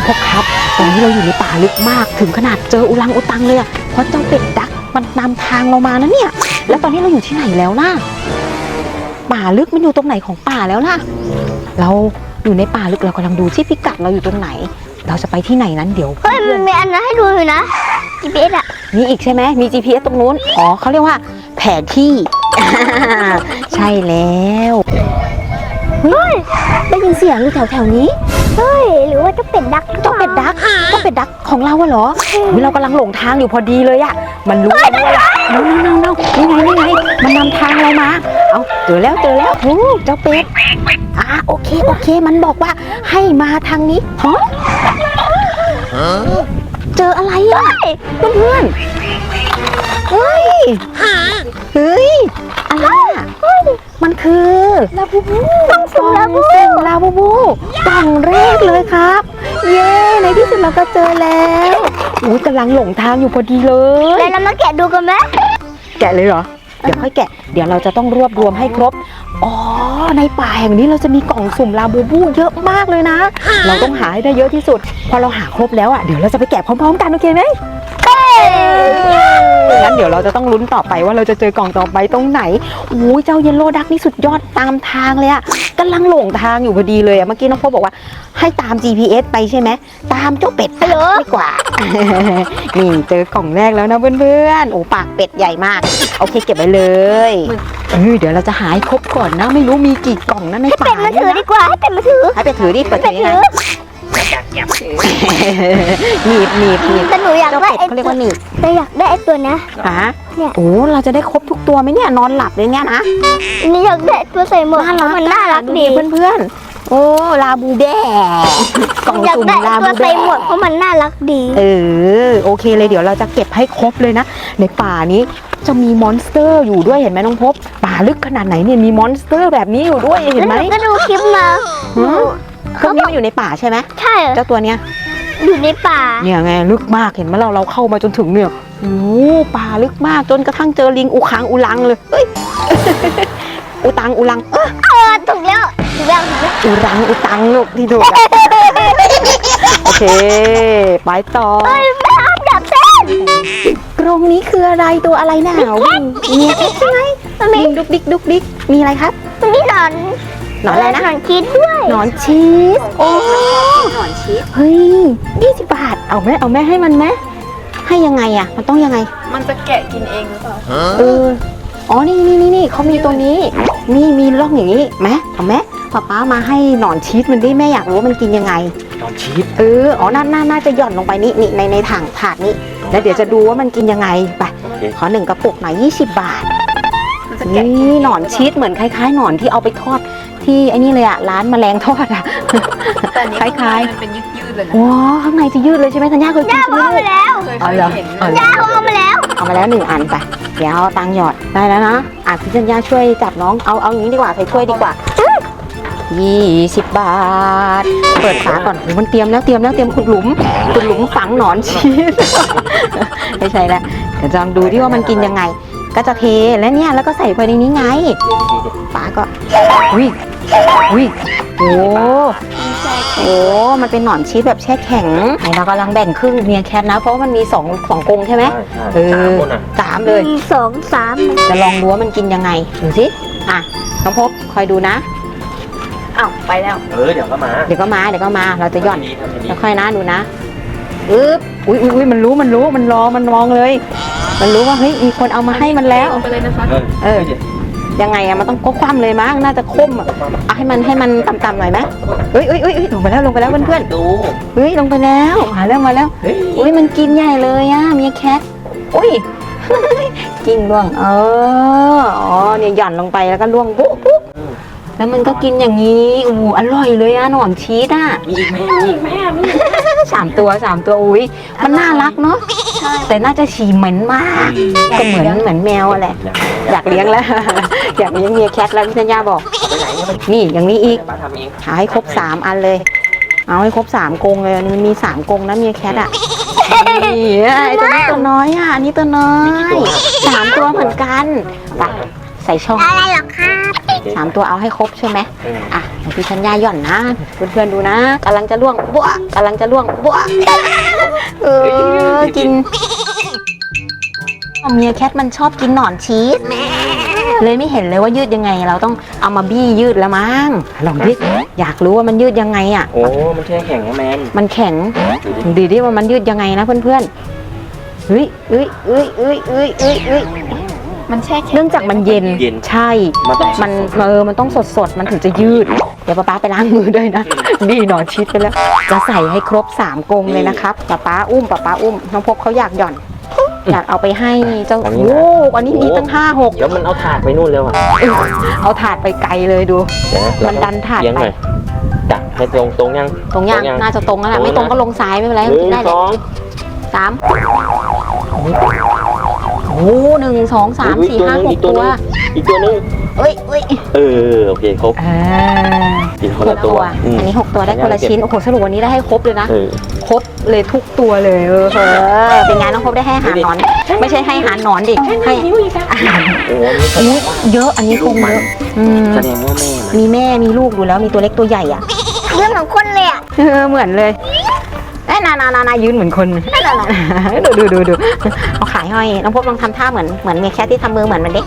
พกครับตอนนี้เราอยู่ในป่าลึกมากถึงขนาดเจออุลังอุตังเลยอะเพราะเจ้าเป็ดดักมันนำทางเรามานะเนี่ยแล้วตอนนี้เราอยู่ที่ไหนแล้วล่ะป่าลึกมันอยู่ตรงไหนของป่าแล้วล่ะเราอยู่ในป่าลึกเรากำลังดูที่พิกัดเราอยู่ตรงไหนเราจะไปที่ไหนนั้นเดี๋ยวเฮ้ยมันมีอันนั้นให้ดูอยู่นะ GPS อ่ะมีอีกใช่ไหมมี GPS ตรงนู้นอ๋อเขาเรียกว่าแผนที่ ใช่แล้วเฮ้ยได้ยินเสียงอยู่แถวนี้เฮ้ยหรือว่าจะเป็ดดักเจ้าเป็ดดักของเราอะเหรอเรากำลังหลงทางอยู่พอดีเลยอะมันรู้ว่าเรานี่ไงมันนำทางเรามาเอาเจอแล้วโอ้เจ้าเป็ดโอเคมันบอกว่าให้มาทางนี้ฮะเจออะไรอะเพื่อนเฮ้ยอะไรอะมันคือลาบูบูกล่องสุ่มลาบูบูกล่องแรกเลยครับเย้ในที่สุดเราก็เจอแล้วกำลังหลงทางอยู่พอดีเลยแล้วเรามาแกะดูกันไหมแกะเลยเหรอเดี๋ยวค่อยแกะเดี๋ยวเราจะต้องรวบรวมให้ครบในป่าแห่งนี้เราจะมีกล่องสุ่มลาบูบูเยอะมากเลยนะเราต้องหาให้ได้เยอะที่สุดพอเราหาครบแล้วเดี๋ยวเราจะไปแกะพร้อมๆกันโอเคไหมงั้นเดี๋ยวเราจะต้องลุ้นต่อไปว่าเราจะเจอกล่องต่อไปตรงไหนเจ้าเยลโล่ดักนี่สุดยอดตามทางเลยกำลังหลงทางอยู่พอดีเลยเมื่อกี้น้องพ่อบอกว่าให้ตาม GPS ไปใช่ไหมตามเจ้าเป็ดไปดีกว่า นี่เจอกล่องแรกแล้วนะเพื่อนๆปากเป็ดใหญ่มากโอเคเก็บไว้เลยเดี๋ยวเราจะหาให้ครบก่อนนะไม่รู้มีกี่กล่องนะในป่าให้เป็ดมาถือดีกว่าให้เป็ดมาถือดิเปิดถือนะหนีบแต่หนูอยากได้เขาเรียกว่าหนีบแต่อยากได้ไอ้ตัวนะเนี่ยเราจะได้ครบทุกตัวไหมเนี่ยนอนหลับเลยเนี่ยนะนี่อยากได้ตัวใส่หมวกมันน่ารักดีเพื่อนๆลาบูแบ้กล่องสุ่มลาบูแบ้ตัวใส่หมวกเพราะมันน่ารักดีโอเคเลยเดี๋ยวเราจะเก็บให้ครบเลยนะในป่านี้จะมีมอนสเตอร์อยู่ด้วยเห็นไหมน้องพบป่าลึกขนาดไหนเนี่ยมีมอนสเตอร์แบบนี้อยู่ด้วยเห็นไหมก็ดูคลิปมาเครื่องนี้มันอยู่ในป่าใช่ไหมใช่เจ้าตัวเนี้ยอยู่ในป่าเนี่ยไงลึกมากเห็นไหมเราเข้ามาจนถึงเนี่ยป่าลึกมากจนกระทั่งเจอลิงอุลังเลยอุตังถูกแล้วอุตังลูกที่ถูกโอเคไปต่อไม่ห้ามดับเส้นกรงนี้คืออะไรตัวอะไรหนาวมีแค่ใช่ไหมลิงดุกดิกมีอะไรครับมันมีหนอนอะไรนะหนอนชีสด้วยหนอนชีสหนอนชีสเฮ้ย20 บาทเอาแม่ให้มันไหมให้ยังไงมันต้องยังไงมันจะแกะกินเองหรือเปล่านี่เขามีตัวนี้นี่มีร่องอย่างนี้ไหมเอาไหมป๊ามาให้หนอนชีสมันดิแม่อยากรู้ว่ามันกินยังไงหนอนชีสน่าจะหย่อนลงไปนี่ในถังถาดนี้แล้วเดี๋ยวจะดูว่ามันกินยังไงไปขอ1 กระปุกหน่อย20 บาทนี่หนอนชีสเหมือนคล้ายๆหนอนที่เอาไปทอดที่ไอ้นี่เลยร้านแมลงทอดคล้ายๆมันเป็นยืดๆเลยนะข้างในจะยืดเลยใช่ไหมธัญญาเคยกินใช่ไหมเอามาแล้วย่าเอามาแล้ว1 อันไปเดี๋ยวเอาตังหยอดได้แล้วนะพี่ธัญญาช่วยจับน้องเอาอย่างนี้ดีกว่าใส่ถ้วยดีกว่า20 บาทเปิดฝาก่อนมันเตรียมขุดหลุมฝังหนอนชีสไม่ใช่แล้วเดี๋ยวจะลองดูที่ว่ามันกินยังไงก็จะเทแล้วเนี่ยแล้วก็ใส่ไปในนี้ไงฝาก็มันเป็นหนอนชีสแบบแช่แข็งเรากำลังแบ่งครึ่งเมียแคทนะเพราะว่ามันมี2 กรงใช่ไหม3เลย 2 3 จะลองดูว่ามันกินยังไงดูสิน้องพบคอยดูนะไปแล้วเดี๋ยวก็มาเราจะย่อนแล้วค่อยนะดูนะอุ้ยมันรู้มันรอมันมองเลยมันรู้ว่าเฮ้ยมีคนเอามาให้มันแล้วไปเลยนะคะยังไงมันต้องคว่ำเลยมั้งน่าจะคมให้มันต่ำๆหน่อยไหมลงไปแล้วเพื่อนดูลงไปแล้วมาแล้วมันกินใหญ่เลยเมียแคทกินล่วงเนี่ยหย่อนลงไปแล้วก็ล่วงปุ๊บแล้วมันก็กินอย่างนี้อร่อยเลยหนอนชีสมีอีกไหม 3 ตัวอุ้ยมันน่ารักเนาะแต่น่าจะฉี่เหม็นมากก็เหมือนแมวแหละอยากเลี้ยงแล้วอยากเลี้ยงเมียแคทแล้วพี่ธัญญาบอกนี่อย่างนี้อีกหาให้ครบ3 อันเลยเอาให้ครบ3 กรงเลยมันมี3 กรงนะเมียแคทนี่ตัวนี้ตัวน้อยอันนี้ตัวน้อย3 ตัวเหมือนกันไปใส่ช่องอะไรหรอครับ 3 ตัวเอาให้ครบใช่ไหมอืมอ่ะของพี่ชัญญาหย่อนนะเพื่อนๆดูนะกำลังจะล่วงบัวกำลังจะล่วงบัวกินเมียแคทมันชอบกินหนอนชีสเลยไม่เห็นเลยว่ายืดยังไงเราต้องเอามาบี้ยืดแล้วมั้งลองดิอยากรู้ว่ามันยืดยังไงอ่ะโอ้มันแช่แข็งนะแมนมันแข็งดูดิว่ามันยืดยังไงนะเพื่อนๆเฮ้ยมันแช่แข็งเนื่องจากมันเย็นใช่มันต้องสดมันถึงจะยืดเดี๋ยวป๊าไปล้างมือด้วยนะบี้หนอนชีสไปแล้วจะใส่ให้ครบ3 กรงเลยนะครับป๊าอุ้มน้องพบเขาอยากหย่อนอยากเอาไปให้เจ้าโอ้อันนี้มีตั้ง5-6 เดี๋ยวมันเอาถาดไปนู่นแล้วอ่ะเอาถาดไปไกลเลยดูเดี๋ยวะมันดันถาดเลี้ยงไปหน่อยจับให้ตรงยังตรงย่างน่าจะตรงแล้วแหละไม่ตรงก็ลงซ้ายไม่เป็นไรหนึ่กินงได้สเลยอง 3โอ้1 2 3 4 5 6 ตัวอีกตัวนึงเอ้ยโอเคครบกินคนหละกตัตัว วอันนี้6 ตัวได้คนละชิ้นโอ้โหสรุปวันนี้ได้ให้ครบเลยนะ ครบเลยทุกตัวเลยเป็นไงน้องพบได้ให้อาหารหนอน ไม่ใช่ให้อาหารหนอนดิให้อาหารโอ้อันนี้เยอะอันนี้คงเยอะแสดงว่าแม่มันมีแม่มีลูกดูแล้วมีตัวเล็กตัวใหญ่อ่ะเรื่องของคนเลยอ่ะเหมือนเลยนายืนเหมือนคนดูเอาขายห้อยน้องพบลองทำท่าเหมือนเมียแคทที่ทำมือเหมือนมันเด็ก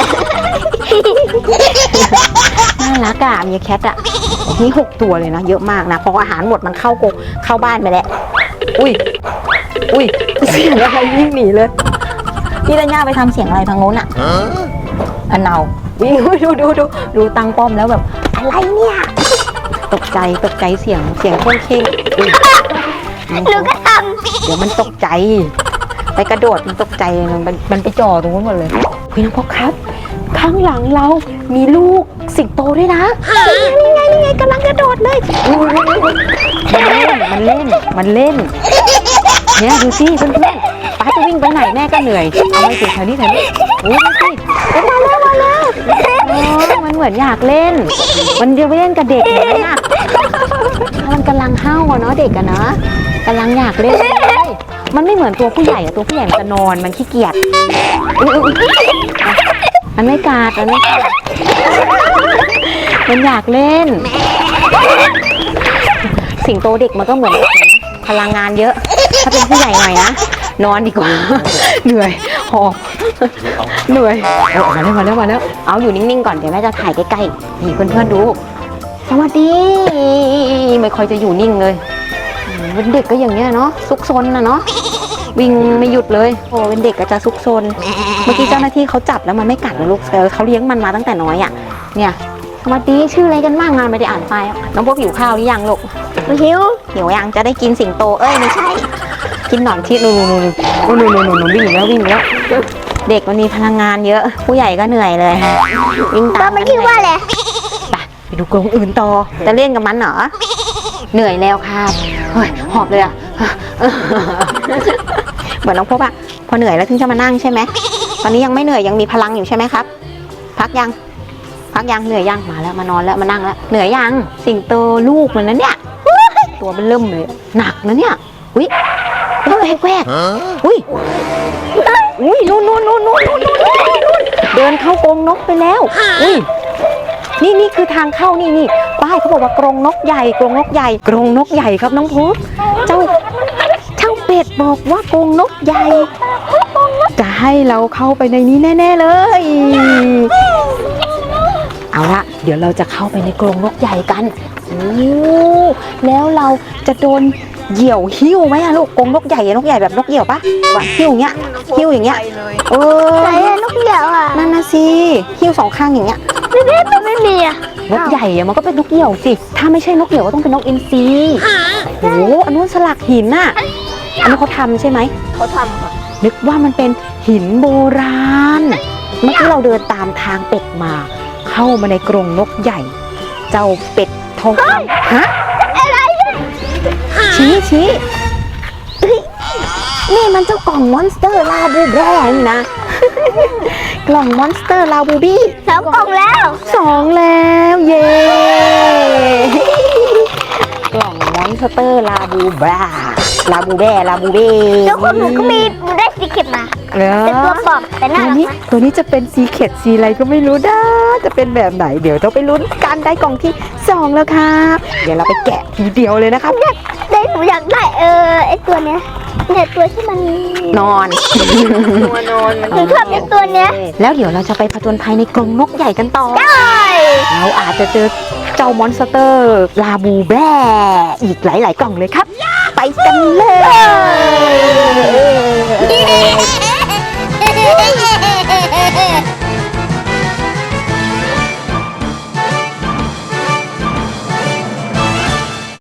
น่ารักอ่ะเมียแคทอ่ะนี่6 ตัวเลยนะเยอะมากนะพออาหารหมดมันเข้บ้านไปแล้วอุ้ยเสียงอะไรวิ่งหนีเลยพี่ดัญญาไปทำเสียงอะไรทางโน้นอ่ะอันเนาวิ่งดูตังป้อมแล้วแบบอะไรเนี่ยตกใจเสียงเข่งหนูก็ทเดี๋ยวมันตกใจไปกระโดดมันตกใจมันไปจ่อตรงนู้นหมดเลยพี่น้องพ่อครับข้างหลังเรามีลูกสิงโตด้วยนะนี่ไงกำลังกระโดดเลยมันเล่นเนี่ยดูสิเพื่อนป้าจะวิ่งไปไหนแม่ก็เหนื่อยเอาไปถึงแถวนี้โอ้ยดูสิมาแล้วมันเหมือนอยากเล่นมันจะไปเล่นกับเด็กเหมือนน่ะมันกำลังเห่าเนาะเด็กอะเนาะกำลังอยากเล่นเลยมันไม่เหมือนตัวผู้ใหญ่อะตัวผู้ใหญ่มันจะนอนมันขี้เกียจมันไม่กัดมันอยากเล่นสิงโตเด็กมันก็เหมือนกันนะพลังงานเยอะถ้าเป็นผู้ใหญ่หน่อยนะนอนดีกว่าเหนื่อยหอบเหนื่อยมาแล้วเอาอยู่นิ่งๆก่อนเดี๋ยวแม่จะถ่ายใกล้ๆนี่เพื่อนๆดูสวัสดีไม่ค่อยจะอยู่นิ่งเลยเป็นเด็กก็อย่างเงี้ยเนาะซุกซนนะเนาะวิ่งไม่หยุดเลยโอ้เป็นเด็กก็จะซุกซนเมื่อกี้เจ้าหน้าที่เขาจับแล้วมันไม่กัดนะลูกเขาเลี้ยงมันมาตั้งแต่น้อยอ่ะเนี่ยสวัสดีชื่ออะไรกันบ้างงานไม่ได้อ่านไปน้องพวกหิวข้าวหรือยังลูกำหิวยังจะได้กินสิงโตไม่ใช่กินหนอนชีสนู่นวิ่งแล้วเด็กมันมีพลังงานเยอะผู้ใหญ่ก็เหนื่อยเลยวิ่งตามไม่คิดว่าเลยไปดูกรงอื่นต่อจะเล่นกับมันเหรอเหนื่อยแล้วครับเฮ้ยหอบเลยอ่ะเหมือนน้องพบอ่ะพอเหนื่อยแล้วถึงจะมานั่งใช่ไหมตอนนี้ยังไม่เหนื่อยยังมีพลังอยู่ใช่ไหมครับพักยังเหนื่อยยังมาแล้วมานอนแล้วมานั่งแล้วเหนื่อยยังสิงโตลูกมันนะเนี่ยตัวมันเริ่มเลยหนักนะเนี่ยอุ้ยแวกอุ้ยนู่นเดินเข้ากรงนกไปแล้วอุ้ยนี่คือทางเข้านี่ป้ายเขาบอกว่ากรงนกใหญ่ครับน้องพุธเจ้าเป็ดบอกว่ากรงนกใหญ่จะให้เราเข้าไปในนี้แน่ๆเลยเอาละเดี๋ยวเราจะเข้าไปในกรงนกใหญ่กันแล้วเราจะโดนเหยี่ยวหิ้วไหมอะลูกกรงนกใหญ่แบบนกเหยี่ยวปะวะหิ้วอย่างเงี้ยไหนอะนกเหยี่ยวอ่ะนั่นนะสิหิ้ว2 ข้างอย่างเงี้ยไม่มีอ่ะนกใหญ่อะมันก็เป็นนกเหยี่ยวสิถ้าไม่ใช่นกเหยี่ยวก็ต้องเป็นนกอินทรีโอ้อันนู้นสลักหินน่ะอันนี้เขาทำใช่ไหมเขาทำค่ะนึกว่ามันเป็นหินโบราณเมื่อกี้เราเดินตามทางเป็ดมาเข้ามาในกรงนกใหญ่เจ้าเป็ดทองคำฮะอะไรชี้นี่มันเจ้ากล่องมอนสเตอร์ลาบูแบร์นี่นะกล่องมอนสเตอร์ลาบูบี้ 2 กล่องแล้ว 2แล้วเย้กล่องมอนสเตอร์ลาบูแบร์แล้วคนหนูก็มีหนูได้สีเข็มมาเหรอเป็นตัวปลอมแต่น่าตัวรักนี้นะตัวนี้จะเป็นซีเค็ดซีอะไรก็ไม่รู้นะจะเป็นแบบไหนเดี๋ยวต้องไปลุ้นกันได้กล่องที่ 2 แล้วครับเดี๋ยวเราไปแกะทีเดียวเลยนะครับได้หนูอยากได้ไอตัวเนี้ยเนี่ยตัวที่มันนอนตัวนอนหนูชอบเป็นตัวเนี้ยแล้วเดี๋ยวเราจะไปผจญภัยในกรงนกใหญ่กันต่อใช่เราอาจจะเจอเจ้ามอนสเตอร์ลาบูแบอีกหลาย ๆ กล่องเลยครับ ไปกันเลย